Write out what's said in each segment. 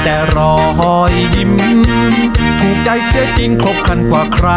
แต่รอยยิ้มถูกใจเสียจริงครบครันกว่าใคร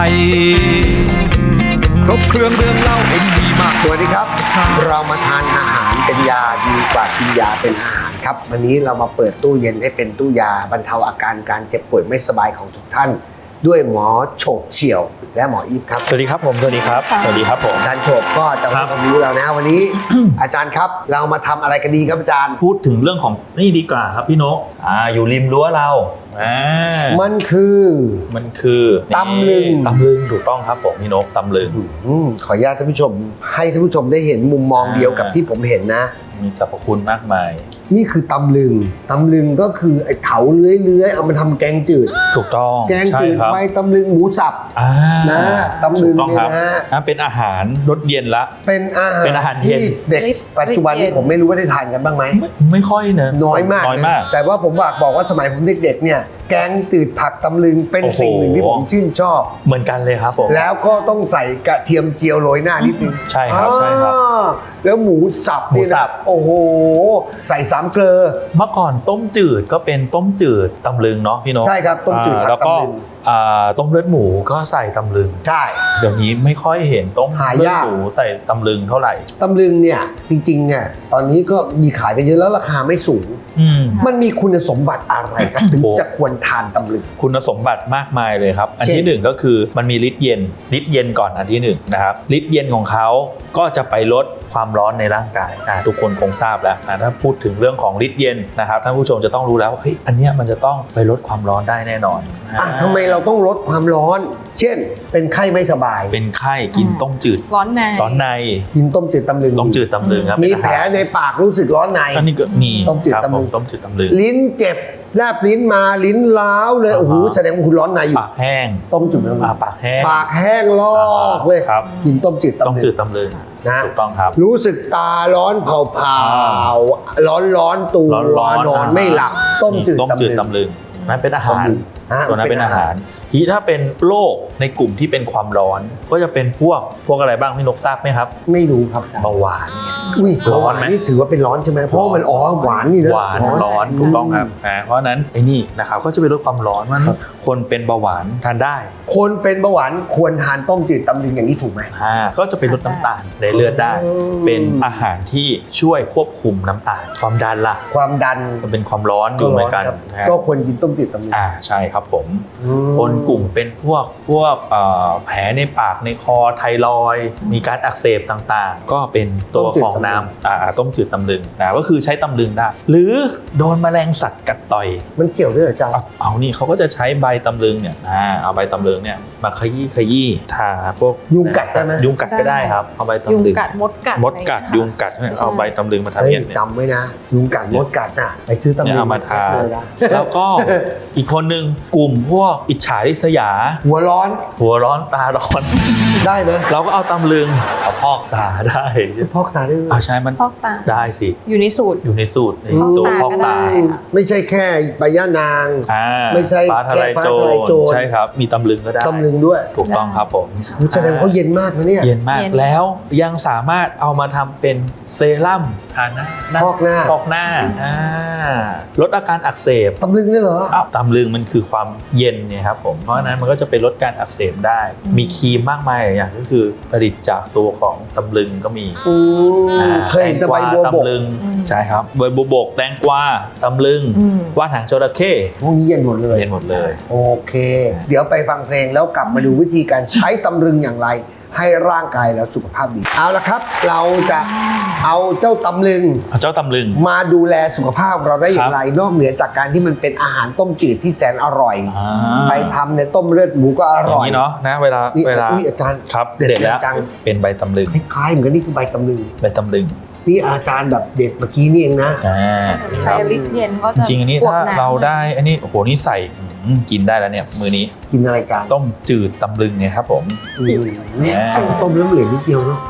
ครบเครื่องเรื่องเล่าเอ็มดีมากสวัสดีครับ เรามาทานอาหารเป็นยาดีกว่ากินยาเป็นอาหารครับวันนี้เรามาเปิดตู้เย็นให้เป็นตู้ยาบรรเทาอาการการเจ็บป่วยไม่สบายของทุกท่าน ด้วยหมอโฉบเฉี่ยวและหมออีฟครับสวัสดีครับผมสวัสดีครับสวัสดีครับผมอาจารย์โฉบก็จะให้ความรู้เรานะวันนี้ อาจารย์ครับเรามาทำอะไรกันดีครับอาจารย์พูดถึงเรื่องของนี่ดีกว่าครับพี่นกอยู่ริมรั้วเรามันคือนี่ตำลึงตำลึงถูกต้องครับผมพี่นกตำลึงขออนุญาตท่านผู้ชมให้ท่านผู้ชมได้เห็นมุมมองเดียวกับที่ผมเห็นนะมีสรรพคุณมากมายนี่คือตำลึงก็คือไอ้เถาเลื้อยๆเอามาทำแกงจืดถูกต้องแกงจืดใช่ครับใบตำลึงหมูสับ นะตำลึงถูกต้องครับเนี่ยนะเป็นอาหารรสเย็นละเป็นอาหารเย็นที่เด็กปัจจุบันนี้ผมไม่รู้ว่าได้ทานกันบ้างไหมไม่ค่อยเนอะน้อยมากน้อยมากแต่ว่าผมบอกว่าสมัยผมเด็กๆเนี่ยแกงจืดผักตำลึงเป็นโอ้โหสิ่งหนึ่งที่ผมชื่นชอบเหมือนกันเลยครับผมแล้วก็ต้องใส่กระเทียมเจียวโรยหน้านิดนึงใช่ครับใช่ครับแล้วหมูสับนี่หมูสันะบโอ้โหใส่สามเกลือเมื่อก่อนต้มจืดก็เป็นต้มจืดตำลึงเนาะพี่นกใช่ครับต้มจืดผักแล้วก็ตำลึงต้มเลือดหมูก็ใส่ตำลึงใช่เดี๋ยวนี้ไม่ค่อยเห็นต้มหาเลือดยากหมูใส่ตำลึงเท่าไหร่ตำลึงเนี่ยจริงๆเนี่ยตอนนี้ก็มีขายกันเยอะแล้วราคาไม่สูง มันมีคุณสมบัติอะไรครับถึงโอ้จะควรทานตำลึงคุณสมบัติมากมายเลยครับ อันเช่ที่นหนึ่งก็คือมันมีฤทธิ์เย็นก่อนอันที่หนึ่งนะครับฤทธิ์เย็นของเขาก็จะไปลดความร้อนในร่างกายทุกคนคงทราบแล้วถ้าพูดถึงเรื่องของฤทธิ์เย็นนะครับท่านผู้ชมจะต้องรู้แล้วเฮ้ยอันเนี้ยมันจะต้องไปลดความร้อนได้แน่นอนทำไมเราต้องลดความร้อน เช่น เป็นไข้ไม่สบายเป็นไข้กินต้มจืดร้อนในร้อนในกินต้มจืดตำลึงต้มจืดตำลึงครับมีแผลในปากรู้สึกร้อนในอันนี้ก็มีต้มจืดครับตำลึงผมต้มจืดตำลึงลิ้นเจ็บแลบลิ้นมาลิ้นล้าวเลยโอ้โหแสดงว่าคุณร้อนในอยู่ปากแห้งต้มจืดตำลึงปากแห้งปากแห้งลอกเลยครับกินต้มจืดต้มตำลึจืงดตำลึงนะถูกต้องครับรู้สึกตาร้อนเผาร้อนตัวร้อนนอนไม่หลับต้มจืดต้มจืดตำลึงนั่นเป็นอาหาร ตัวนั้นเป็นอาหารทีถ้าเป็นโรคในกลุ่มที่เป็นความร้อนก็จะเป็นพวกอะไรบ้างพี่นกทราบไหมครับไม่รู้ครับเบาหวานอุ้ยร้อนไหมนี่ถือว่าเป็นร้อนใช่ไหมเพราะมันหวานนี่นะหวานร้อนถูกต้องครับเพราะฉะนั้นไอ้นี่นะครับก็จะไปลดความร้อนมันคนเป็นเบาหวานทานได้คนเป็นเบาหวานควรทานต้มจืดตำลึงอย่างนี้ถูกไหมก็จะไปลดน้ำตาลในเลือดได้ เป็นอาหารที่ช่วยควบคุมน้ำตาลความดันล่ะความดันมันเป็นความร้อนอยู่เหมือนกันครับนะฮะก็ควรกินต้มจืดตำลึงใช่ครับผมคนกลุ่มเป็นพวกแผลในปากในคอไทรอยด์มีการอักเสบต่างๆ ก็เป็นตัวของน้ำต้มจืดตำลึงนะก็คือใช้ตำลึงได้ หรือโดนแมลงสัตว์กัดต่อยมันเกี่ยวด้วยเหรออาจารย์เอานี่เขาก็จะใช้ใบตำลึงเนี่ยเอาใบตำลึงเนี่ยมาขยี้ทาพวกยุงกัดได้ไหมยุงกัดก็ได้ครับเอาใบยุงตำลึงกัดมดกัดมดกัดยุงกัดเอาใบตำลึงมาทำเฮ้ยเนี่ยจำไว้นะยุงกัดมดกัดน่ะไปซื้อตำลึเนี่ยงเอามาทาเลยนะแล้วก็อีกคนหนึ่งกลุ่มพวกอิจฉาริษยาหัวร้อนหัวร้อนตาร้อนได้ไหมเราก็เอาตำลึงเอาพอกตาได้พอกตาได้ไหมใช่มันพอกตาได้สิอยู่ในสูตรอยู่ในสูตรในพอกตัวตาพอกก็ตาได้ค่ะไม่ใช่แค่ใบย่านาง ไม่ใช่ฟ้าทะลายแค่ฟ้าโจทะลายโจรรใช่ครับมีตำลึงก็ได้ตำลึงด้วยถูกต้องครับผมอุ๊ยแสดงว่าเขาเย็นมากนะเนี่ยเย็นมากเย็นแล้วยังสามารถเอามาทำเป็นเซรั่มทาหน้าพอกหน้าพอกหน้าลดอาการอักเสบตำลึงเนี่ยเหรอตำลึงมันคือความเย็นเนี่ยครับผมเพราะฉะนั้นมันก็จะไปลดการอักเสบได้ มีครีมมากมายหลายอย่างก็คือผลิตจากตัวของตำลึงก็มีเคยเห็นแต่ใบบัวบกตำลึงใช่ครับใบบัวบกแตงกวาตำลึงว่านหางจระเข้พวกนี้เย็นหมดเลยเย็นหมดเลยโอเค เดี๋ยวไปฟังเพลงแล้วกลับมาดูวิธีการใช้ตำลึงอย่างไร ให้ร่างกายและสุขภาพดี เอาละครับ เราจะเอาเจ้าตำลึงเจ้าตำลึงมาดูแลสุขภาพเราได้อย่างไร นอกเหนือจากการที่มันเป็นอาหารต้มจืดที่แสนอร่อย ไปทำในต้มเลือดหมูก็ออร่ย่าอง ยนี้เนาะนะเวลานี่อาจารย์ครับเด็ดเด็ดแล้วจังเป็นใบตำลึงคล้ายๆเหมือนกันนี่คือใบตำลึงใบตำลึงนี่อาจารย์แบบเด็ดเมื่อกี้นี่เองนะใช้ลิตรเย็นก็จจะริงๆอันนี้กวถ้าน้ำเราได้อันนี้โอ้โหนี่ใส่กินได้แล้วเนี่ยมือนี้กินอะไรกันต้มจืดตำลึงเนี่ยครับผมต้มแล้วเหลือนิดเดียวเนาะ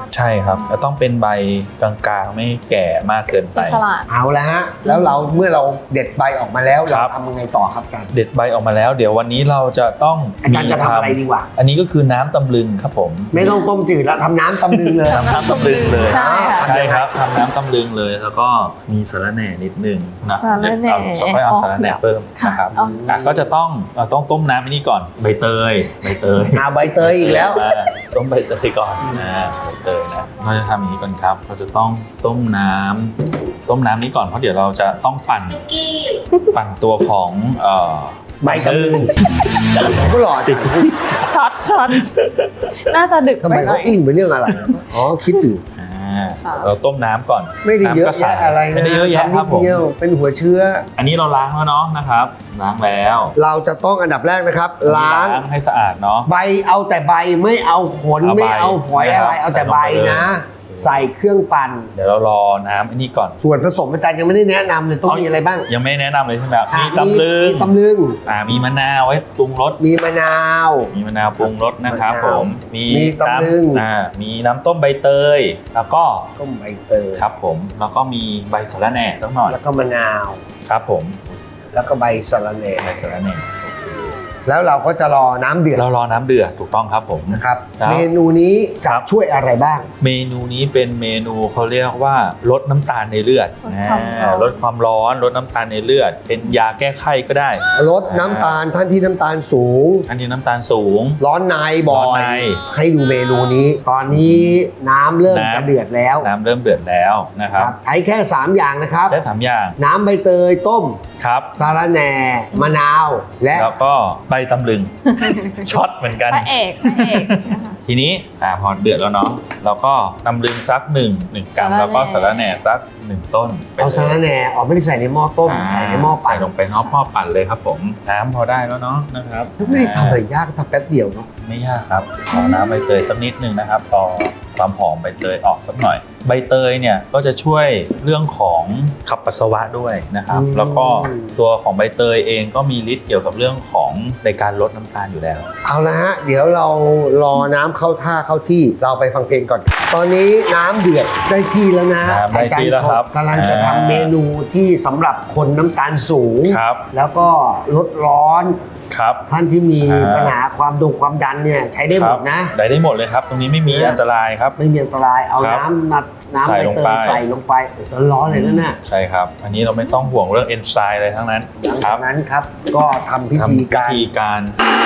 ใช่ครับจะต้องเป็นใบกลางๆไม่แก่มากเกินไปเป็นสลัดเอาละฮะแล้วเราเมื่อเราเด็ดใบออกมาแล้วครัเราบทำยังไงต่อครับอาจารย์เด็ดใบออกมาแล้ว เดี๋ยววันนี้เราจะต้องอาจารย์จะทำอะไรดีกว่าอันนี้ก็คือน้ำตำลึงครับผมไม่ต้องต้มจืดแล้วทำน้ำตำลึงเลยทำน้ำตำลึงเลยใช่ค่ะใช่ครับทำน้ำตำลึงเลยแล้วก็มีสาระแหน่นิดนึงนะสาระแหน่ค่อยเอาสาระแหน่เพิ่มนะครับค่ะก็จะต้องเราต้องต้มน้ำอันนี้ก่อนใบเตยใบเตยอีกแล้วต้มใบเตยก่อนนะใบเตยนะเราจะทำอย่างนี้ก่อนครับเราจะต้องต้มน้ำนี้ก่อนเพราะเดี๋ยวเราจะต้องปั่นตัวของใบตำลึงก็หล่อจังช็อตน่าจะดึกทำไปไมหน่เขาอยอิงไปเรื่องอะไรอ๋อคิดอยู่ค่ะเราต้มน้ำก่อนไม่ได้เยอะน้ำก็ใส่แยะอะไรนะไม่ได้เยอะแยะครับผมทำนิดเดียวเป็นหัวเชื้ออันนี้เราล้างแล้วเนาะนะครับล้างแล้วเราจะต้องอันดับแรกนะครับ ล้างให้สะอาดเนาะใบเอาแต่ใบไม่เอาขนเอาใบไม่เอาฝอยอะไรนะครับเอาแต่ใบใส่ลงไปเลยนะ ใส่เครื่องปั่นเดี๋ยวเรารอน้ำอันนี้ก่อนส่วนผสมอาจารย์ยังไม่ได้แนะนำเลยต้องมีอะไรบ้างยังไม่แนะนำเลยใช่ไหมครับอ่ะมีตำลึงมีตำลึงมีมะนาวไว้ปรุงรสมีมะนาวมีมะนาวปรุงรสนะครับมะนาวผมมีตำลึงมีน้ำต้มใบเตย แล้วก็ต้มใบเตยครับผมแล้วก็มีใบสะระแหน่สักหน่อยแล้วก็มะนาวครับผมแล้วก็ใบสะระแหน่ใบสะระแหน่แล้วเราก็จะรอน้ำเดือดเรารอน้ำเดือดถูกต้องครับผมนะครับครับเมนูนี้ครัจะบช่วยอะไรบ้างเมนูนี้เป็นเมนูเขาเรียกว่าลดน้ำตาลในเลือดลดความร้อนลดความร้อนลดน้ำตาลในเลือด เป็นยาแก้ไข้ก็ได้ลดน้ำตาลท่านที่น้ำตาลสูงอันนี้น้ำตาลสูงร้อนในบ่ร้ออนยในให้ดูเมนูนี้ ตอนนี้น้ำเริ่มจะเดือดแล้วน้ำเริ่มเดือดแล้วนะครับใช้แค่ 3 อย่างนะครับใช้3อย่างน้ำใบเตยต้มครับสาระแหน่มะนาว และแล้วก็ใบตำลึง ช็อตเหมือนกันพระเอกนะคะทีนี้พอเดือดแล้วเนาะเราก็ตำลึงสัก1กรัมสาระแหน่แล้วก็สาระแหน่สัก1ต้นไปเอาสาระแหน่ออกไม่ได้ใส่ในหม้อต้ม ใส่ในหม้อปั่นใส่ลงไปในหม้อปั่นเลยครับผมน้ำพอได้แล้วเนาะนะครับไม่ได้ทำอะไรยากทำแป๊บเดียวเนาะไม่ยากครับขอน้ำใบเตยสักนิดนึงนะครับต่อความหอมใบเตยออกสักหน่อย ใบเตยเนี่ยก็จะช่วยเรื่องของขับปัสสาวะด้วยนะครับแล้วก็ตัวของใบเตยเองก็มีฤทธิ์เกี่ยวกับเรื่องของในการลดน้ำตาลอยู่แล้วเอาละฮะ เดี๋ยวเรารอน้ำเข้าท่าเข้าที่เราไปฟังเพลงก่อน ตอนนี้น้ำเดือดได้ที่แล้วนะน้ำได้ที่แล้วครับกำลังจะทำเมนูที่สำหรับคนน้ำตาลสูงครับแล้วก็ลดร้อนครับท่านที่มีอ่าปัญหาความดันเนี่ยใช้ได้หมดนะได้หมดเลยครับ ตรงนี้ไม่มีอันตรายครับไม่มีอันตรายเอาครับน้ำใส่ใบลงเตไปยใส่ลงไปร้อนๆเลยนั่นน่ะใช่ครับ อันนี้เราไม่ต้องห่วงเรื่องเอนไซม์อะไรทั้งนั้นหลังคจารักบนั้นครับก็ทำพิธีการทำพิธีการ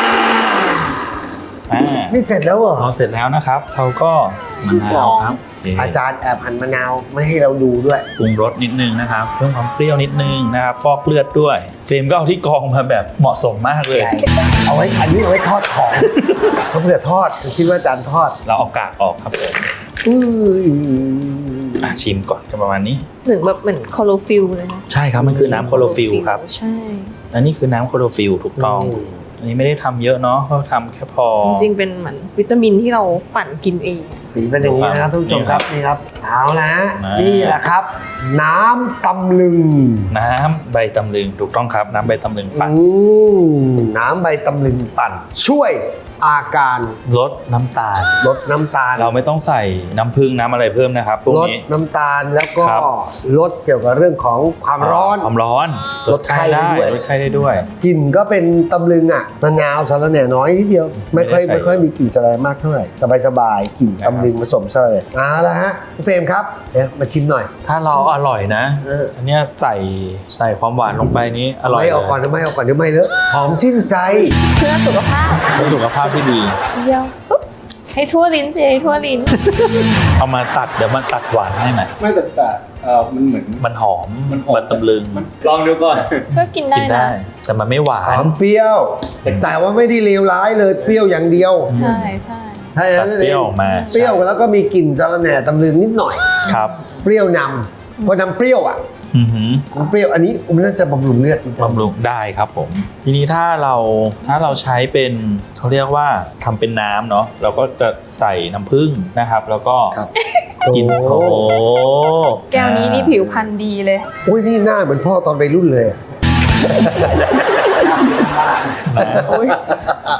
นี่เสร็จแล้วเหรอพอเสร็จแล้วนะครับ เราก็มะนาวครับโเคอาจารย์แอบหั่นมะนาวไม่ให้เราดูด้วยปรุงรสนิดนึงนะครับเพิ่มความเปรี้ยวนิดนึงนะครับฟอกเลือดด้วยเฟรมก็เอาที่กองมาแบบเหมาะสมมากเลยใช่เอาไว้อันนี้เอาไว้ทอดของเขาเผื่อทอดผมคิดว่าอาจารย์ทอดเราเอากากออกครับผมอุ้ยชิมก่อนก็ประมาณนี้ถึงแบบเหมือนโคโลฟิลเลยนะใช่ครับมันคือน้ำโคโลฟิลครับใช่อันนี้คือน้ำโคโลฟิลถูกต้องอันนี้ไม่ได้ทำเยอะเนาะเขาทำแค่พอจริงๆเป็นเหมือนวิตามินที่เราปั่นกินเองสีเป็นอย่างนี้นะครับท่านผู้ชมครับนี่ครับเอาละฮะนะนี่แหละครับ น้ำตำลึงน้ำใบตำลึงถูกต้องครับน้ำใบตำลึงปั่นน้ำใบตำลึงปั่น ช่วยอาการลดน้ำตาลลดน้ำตาลเราไม่ต้องใส่น้ำผึ้งน้ำอะไรเพิ่มนะครับพวกลดนี้น้ำตาลแล้วก็ครับลดเกี่ยวกับเรื่องของความร้อนความร้อนลดไข้ได้ด้วยลดไข้ได้ด้วยกลิ่นก็เป็นตำลึงอ่ะมะนาวสาระแหน่น้อยนิดเดียวไม่ค่อยไม่ได้ใส่ไม่ค่อยมีกลิ่นสาระแหน่มากเท่าไหร่สบายๆกลิ่นนะครับตำลึงผสมสาระแหน่เอาละฮะคุณเฟรมครับเดี๋ยวมาชิมหน่อยถ้าเราอร่อยนะ อันเนี้ยใส่ความหวานลงไปนี้อร่อยไม่เอาก่อนเลยไม่เอาก่อนเดี๋ยวไม่เลอะหอมชื่นใจเพื่อสุขภาพเพื่อสุขภาพที่ดีเดียวปุ๊บให้ทั่วลิ้นสิให้ทั่วลิ้นเอามาตัดเดี๋ยวมันตัดหวานให้ไหมไม่แต่มันเหมือนมันหอมมันหอมตำลึงลองดูก่อนก็กินได้กินได้นะแต่มันไม่หวาหอน มเปรี้ยว แต่ว่าไม่ได้เลวร้ายเลยเปรี้ยวอย่างเดียวใช่ใช่ใช่ตัดนั่นเปเอรี้ยวงออกมาเปรี้ยวแล้วก็มีกลิ่นสาระแหน่ตำลึงนิดหน่อยครับเปรี้ยวนำพอนำเปรี้ยวอ่ะอือหือมันเปรี้ยวอันนี้มันน่าจะบำรุงเลือดบำรุงได้ครับผม ทีนี้ถ้าเราใช้เป็นเขาเรียกว่าทำเป็นน้ำเนาะเราก็จะใส่น้ำผึ้งนะครับ แล้วก็ครับกินโอ้โหแก้วนี้นี่ผิวพรรณดีเลยอุ้ยนี่หน้าเหมือนพ่อตอนวัยรุ่นเลยอะนะ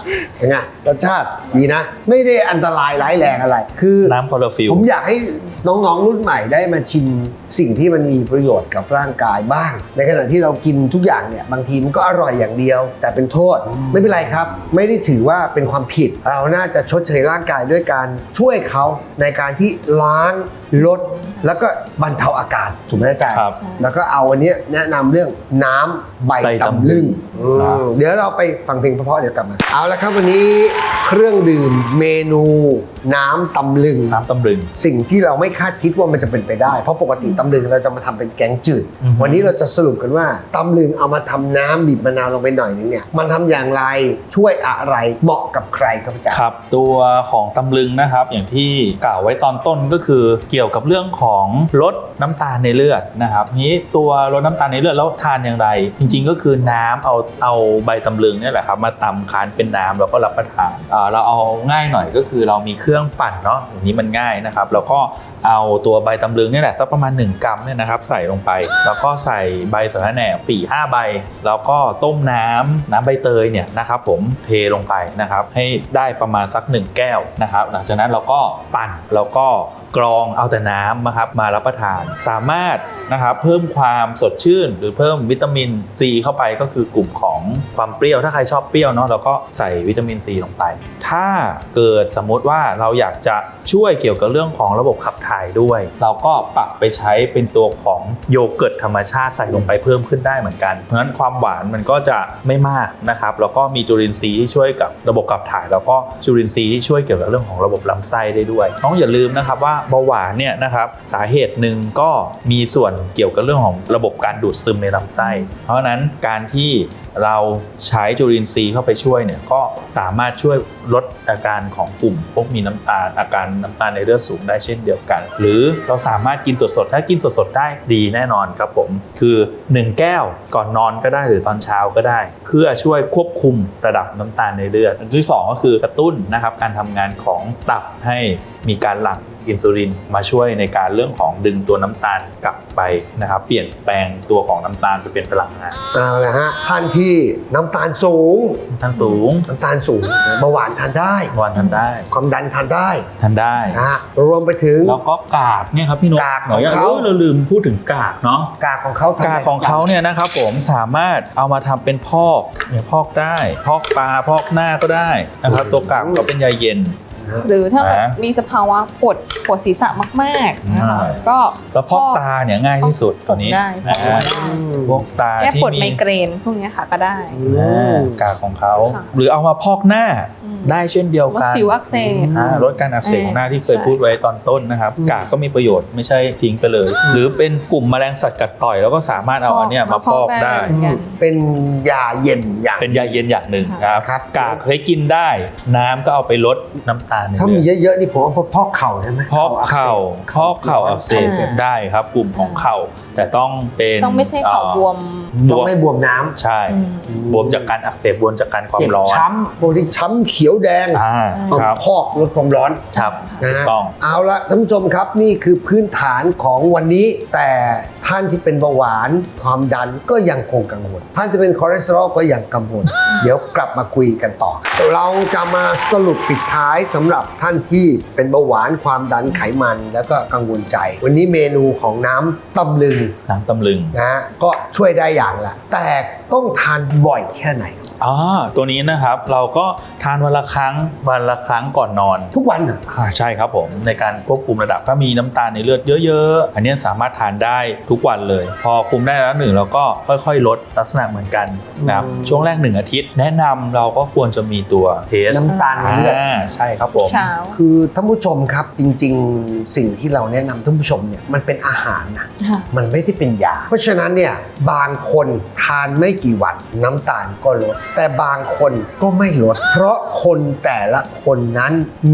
เป็นไงรสชาติดีนะ ไม่ได้อันตรายร้ายแรงอะไร คือน้ำคลอโรฟิลผมอยากให้น้องๆรุ่นใหม่ได้มาชิมสิ่งที่มันมีประโยชน์กับร่างกายบ้าง ในขณะที่เรากินทุกอย่างเนี่ยบางทีมันก็อร่อยอย่างเดียว แต่เป็นโทษไม่เป็นไรครับ ไม่ได้ถือว่าเป็นความผิด เราน่าจะชดเชยร่างกายด้วยการช่วยเขาในการที่ล้างลดแล้วก็บรรเทาอาการถูกไหมอาจารย์ครับแล้วก็เอาอันเนี้ยแนะนำเรื่องน้ำใบใบตำตำลึลึงงเดี๋ยวเราไปฟังเพลงเพราะๆเดี๋ยวกลับมาเอาละครับวันนี้เครื่องดื่มเมนูน้ำตำลึงน้ำตำลึงสิ่งที่เราไม่คาดคิดว่ามันจะเป็นไปได้เพราะปกติตำลึงเราจะมาทำเป็นแกงจืดอือฮึวันนี้เราจะสรุปกันว่าตำลึงเอามาทำน้ำบีบมะนาวลงไปหน่อยนึงเนี่ยมันทำอย่างไรช่วยอะไรเหมาะกับใครครับอาจารย์ครับตัวของตำลึงนะครับอย่างที่กล่าวไว้ตอนต้นก็คือเกี่ยวกับเรื่องของลดน้ำตาลในเลือดนะครับนี้ตัวลดน้ำตาลในเลือดแล้วทานอย่างไร จริงๆก็คือน้ำเอาใบตำลึงเนี่ยแหละครับมาตำคั้นเป็นน้ำแล้วก็รับประทานเราเอาง่ายหน่อยก็คือเรามีเครื่องปั่นเนาะอย่างนี้มันง่ายนะครับแล้วก็เอาตัวใบตำลึงเนี่ยแหละสักประมาณ1 กรัมเนี่ยนะครับใส่ลงไปแล้วก็ใส่ใบสะระแหน่ 4-5 ใบแล้วก็ต้มน้ำใบเตยเนี่ยนะครับผมเทลงไปนะครับให้ได้ประมาณสัก1 แก้วนะครับหลังจากนั้นเราก็ปั่นแล้วก็กรองเอาแต่น้ำนะครับมารับประทานสามารถนะครับเพิ่มความสดชื่นหรือเพิ่มวิตามินซีเข้าไปก็คือกลุ่มของความเปรี้ยวถ้าใครชอบเปรี้ยวเนาะเราก็ใส่วิตามินซีลงไปถ้าเกิดสมมติว่าเราอยากจะช่วยเกี่ยวกับเรื่องของระบบขับถ่ายด้วยเราก็ปรับไปใช้เป็นตัวของโยเกิร์ตธรรมชาติใส่ลงไปเพิ่มขึ้นได้เหมือนกันเพราะฉะนั้นความหวานมันก็จะไม่มากนะครับแล้วก็มีจุลินทรีย์ที่ช่วยกับระบบขับถ่ายแล้วก็จุลินทรีย์ที่ช่วยเกี่ยวกับเรื่องของระบบลำไส้ได้ด้วยต้องอย่าลืมนะครับว่าเบาหวานเนี่ยนะครับสาเหตุหนึ่งก็มีส่วนเกี่ยวกับเรื่องของระบบการดูดซึมในลำไส้เพราะฉะนั้นการที่เราใช้จุลินทรีย์เข้าไปช่วยเนี่ยก็สามารถช่วยลดอาการของกลุ่มพวกมีน้ำตาลอาการน้ำตาลในเลือดสูงได้เช่นเดียวกันหรือเราสามารถกินสดๆถ้ากินสดๆได้ดีแน่นอนครับผมคือ1 แก้วก่อนนอนก็ได้หรือตอนเช้าก็ได้เพื่อช่วยควบคุมระดับน้ำตาลในเลือดอันที่2ก็คือกระตุ้นนะครับการทำงานของตับให้มีการหลั่งอินซูลินมาช่วยในการเรื่องของดึงตัวน้ำตาลกลับไปนะครับเปลี่ยนแปลงตัวของน้ำตาลไปเป็นพลังงานเอาละฮะท่านที่น้ำตาลสูงท่านสูงน้ำตาลสูงเบาหวานทานได้วันทานได้ความดันทานได้ทานได้นะฮะรวมไปถึงแล้วก็กากเนี่ยครับพี่นกกากหน่อยของเขาเราลืมพูดถึงกากเนาะกากของเขาทำกากของเขาเนี่ยนะครับผมสามารถเอามาทำเป็นพอกเนี่ยพอกได้พอกตาพอกหน้าก็ได้นะครับตัวกากก็เป็นใยเย็นหรือถ้าแบบนะมีสภาวะปวดศีรษะมากๆนะคะอ่าก็แล้วพอกตาเนี่ยง่ายที่สุดตัวนี้ได้นะฮะพวกตาแก้ที่ปวดมีไมเกรนพวกเนี้ยค่ะก็ได้กากของเขาค่ะหรือเอามาพอกหน้าอืมได้เช่นเดียวลดกันสิวอักเสบลดการอักเสบของหน้าที่เคยใช่พูดไว้ตอนต้นนะครับกากก็มีประโยชน์ไม่ใช่ทิ้งไปเลย หรือเป็นกลุ่มแมลงสัตว์กัดต่อยแล้วก็สามารถเอาอันเนี้ยมาพอกได้เหมือนกันเป็นยาเย็นอย่างเป็นยาเย็นอย่างหนึ่งนะครับครับกากใช้กินได้ น้ำก็เอาไปลดน้ำตาลในถ้ามีเลือดเยอะๆนี่ผมว่าพอกเข่าได้ไหมพอกเข่าอักเสบอ่าได้ครับ กลุ่มของเข่าแต่ต้องเป็นต้องไม่ใช่เข่าบวมต้องไม่บวมน้ำใช่ บวมจากการอักเสบบวมจากการความเจ็บร้อนช้ำบางทีช้ำเขียวแดงต้อง ครับพอกลดความร้อนครับนะถูกฮะต้องเอาละท่านผู้ชมครับนี่คือพื้นฐานของวันนี้ แต่ท่านที่เป็นเบาหวานความดันก็ยังคงกังวลท่านจะเป็นคอเลสเตอรอลก็ยังกังวล เดี๋ยวกลับมาคุยกันต่อ เราจะมาสรุปปิดท้ายสำหรับท่านที่เป็นเบาหวานความดันไขมันแล้วก็กังวลใจ วันนี้เมนูของน้ำตำลึงน้ำตำลึงนะฮะก็ช่วยได้อย่างละแต่ต้องทานบ่อยแค่ไหนครับตัวนี้นะครับเราก็ทานวันละครั้งก่อนนอนทุกวันเหรอใช่ครับผมในการควบคุมระดับถ้ามีน้ำตาลในเลือดเยอะๆอันนี้สามารถทานได้ทุกวันเลย พอคุมได้แล้ว1เราก็ค่อยๆลดลักษณะเหมือนกันนะครับช่วงแรก1 อาทิตย์ แนะนำเราก็ควรจะมีตัวเทสน้ำตาลในเลือดใช่ครับผมเช้าคือท่านผู้ชมครับจริงๆ สิ่งที่เราแนะนำท่านผู้ชมเนี่ยมันเป็นอาหารนะค่ะมันไม่ได้เป็นยา เพราะฉะนั้นเนี่ยบางคนทานไม่กี่วันน้ำตาลก็ลด แต่บางคนก็ไม่ลด เพราะคนแต่ละคนนั้นมี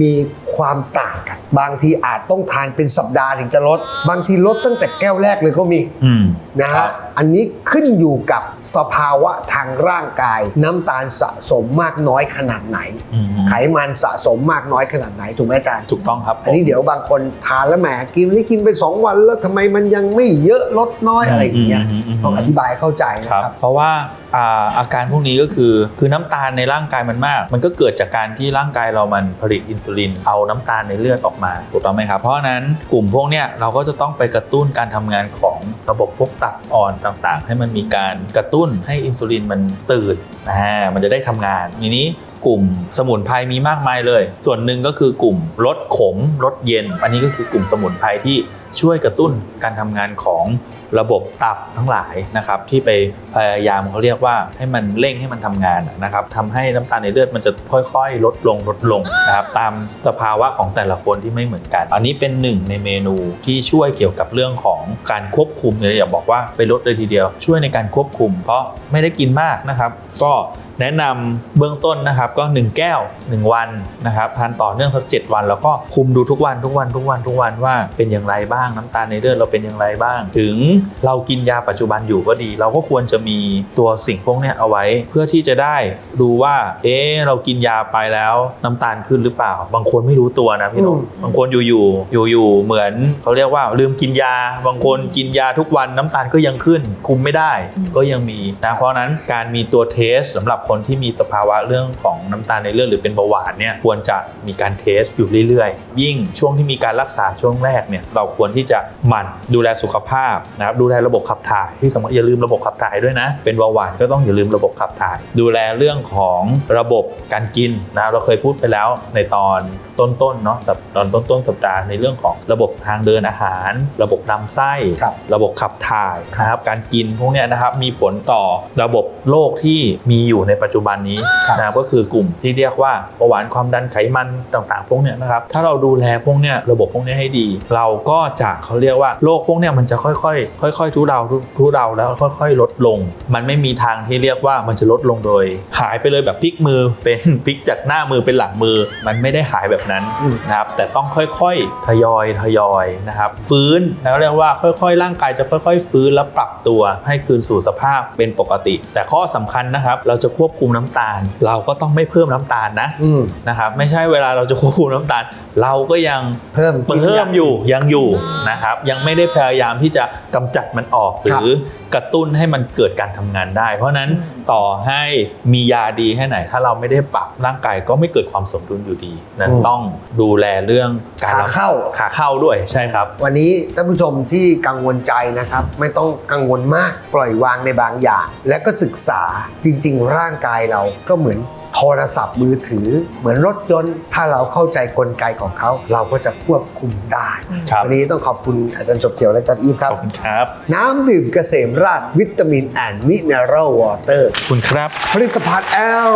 ความต่างกัน บางทีอาจต้องทานเป็นสัปดาห์ถึงจะลด บางทีลดตั้งแต่แก้วแรกเลยก็มี นะครัฮะบอันนี้ขึ้นอยู่กับสภาวะทางร่างกาย น้ำตาลสะสมมากน้อยขนาดไหน ไขมันสะสมมากน้อยขนาดไหนถูกไหมอาจารย์ถูกต้องครับอันนี้เดี๋ยวบางคนทานแล้วแหมกินไป2 วันแล้วทำไมมันยังไม่เยอะลดน้อยอะไรอย่างเงี้ยต้องอธิบายเข้าใจนะคครัรับบ เพราะว่าอาการพวกนี้ก็คือน้ำตาลในร่างกายมันมาก มันก็เกิดจากการที่ร่างกายเรามันผลิตอินซูลินเอาน้ำตาลในเลือดออกมาถูกต้องไหมครับเพราะฉะนั้นกลุ่มพวกเนี้ยเราก็จะต้องไปกระตุ้นการทำงานของระบบพวกตับอ่อนต่างๆ ให้มันมีการกระตุ้นให้อินซูลินมันตื่นมันจะได้ทำงานทีนี้กลุ่มสมุนไพรมีมากมายเลยส่วนหนึ่งก็คือกลุ่มลดขมลดเย็นอันนี้ก็คือกลุ่มสมุนไพรที่ช่วยกระตุ้นการทำงานของระบบตับทั้งหลายนะครับที่ไปพยายามเขาเรียกว่าให้มันเร่งให้มันทำงานนะครับทำให้น้ำตาลในเลือดมันจะค่อยๆลดลงนะครับตามสภาวะของแต่ละคนที่ไม่เหมือนกันอันนี้เป็นหนึ่งในเมนูที่ช่วยเกี่ยวกับเรื่องของการควบคุมอย่าบอกว่าไปลดเลยทีเดียวช่วยในการควบคุมเพราะไม่ได้กินมากนะครับก็แนะนำเบื้องต้นนะครับก็1แก้ว1วันนะครับทานต่อเนื่องสัก7วันแล้วก็คุมดูทุกวันว่าเป็นอย่างไรบ้างน้ำตาลในเลือดเราเป็นอย่างไรบ้างถึงเรากินยาปัจจุบันอยู่ก็ดีเราก็ควรจะมีตัวสิ่งพวกนี้เอาไว้เพื่อที่จะได้ดูว่าเรากินยาไปแล้วน้ำตาลขึ้นหรือเปล่าบางคนไม่รู้ตัวนะพี่หนุ่มบางคนอยู่เหมือนเขาเรียกว่าลืมกินยาบางคนกินยาทุกวันน้ำตาลก็ยังขึ้นคุมไม่ได้ก็ยังมีนะเพราะนั้นการมีตัวเทสสำหรับคนที่มีสภาวะเรื่องของน้ำตาลในเลือดหรือเป็นเบาหวานเนี่ยควรจะมีการเทสอยู่เรื่อยๆยิ่งช่วงที่มีการรักษาช่วงแรกเนี่ยเราควรที่จะหมั่นดูแลสุขภาพนะครับดูแลระบบขับถ่ายที่สำคัญอย่าลืมระบบขับถ่ายด้วยนะเป็นเบาหวานก็ต้องอย่าลืมระบบขับถ่ายดูแลเรื่องของระบบการกินนะเราเคยพูดไปแล้วในตอนต้นเนาะตอนต้นสัปดาห์ในเรื่องของระบบทางเดินอาหารระบบลำไส้ระบบขับถ่ายนะครับการกินพวกนี้นะครับมีผลต่อระบบโรคที่มีอยู่ในปัจจุบันนี้นะก็คือกลุ่มที่เรียกว่าเบาหวานความดันไขมันต่างๆพวกนี้นะครับถ้าเราดูแลพวกนี้ระบบพวกนี้ให้ดีเราก็จะเขาเรียกว่าโรคพวกนี้มันจะค่อยๆทุเลาแล้วค่อยๆลดลงมันไม่มีทางที่เรียกว่ามันจะลดลงโดยหายไปเลยแบบพลิกมือเป็นพลิกจากหน้ามือเป็นหลังมือมันไม่ได้หายแบบนั้นนะครับแต่ต้องค่อยๆทยอยนะครับฟื้นแล้วเรียกว่าค่อยๆร่างกายจะค่อยๆฟื้นและปรับตัวให้คืนสู่สภาพเป็นปกติแต่ข้อสำคัญนะครับเราจะควบคุมน้ำตาลเราก็ต้องไม่เพิ่มน้ำตาลนะครับไม่ใช่เวลาเราจะควบคุมน้ำตาลเราก็ยังเพิ่มอยู่นะครับยังไม่ได้พยายามที่จะกำจัดมันออกหรือกระตุ้นให้มันเกิดการทำงานได้เพราะนั้นต่อให้มียาดีแค่ไหนถ้าเราไม่ได้ปรับร่างกายก็ไม่เกิดความสมดุลอยู่ดีนั้นต้องดูแลเรื่องการขาเข้าด้วยใช่ครับวันนี้ท่านผู้ชมที่กังวลใจนะครับไม่ต้องกังวลมากปล่อยวางในบางอย่างและก็ศึกษาจริงๆร่างกายเราก็เหมือนโทรศัพท์มือถือเหมือนรถยนต์ถ้าเราเข้าใจกลไกของเขาเราก็จะควบคุมได้วันนี้ต้องขอบคุณอาจารย์สมเขียวและอาจารย์อีฟครับขอบคุณครับน้ำดื่มเกษมราชวิตามินแอนด์มิเนอรัลวอเตอร์ขอบคุณครับผลิตภัณฑ์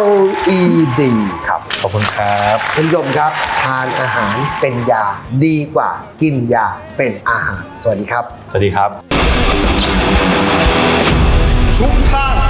LED ครับขอบคุณครับท่านผู้ชมครับทานอาหารเป็นยาดีกว่ากินยาเป็นอาหารสวัสดีครับสวัสดีครับชุมทาง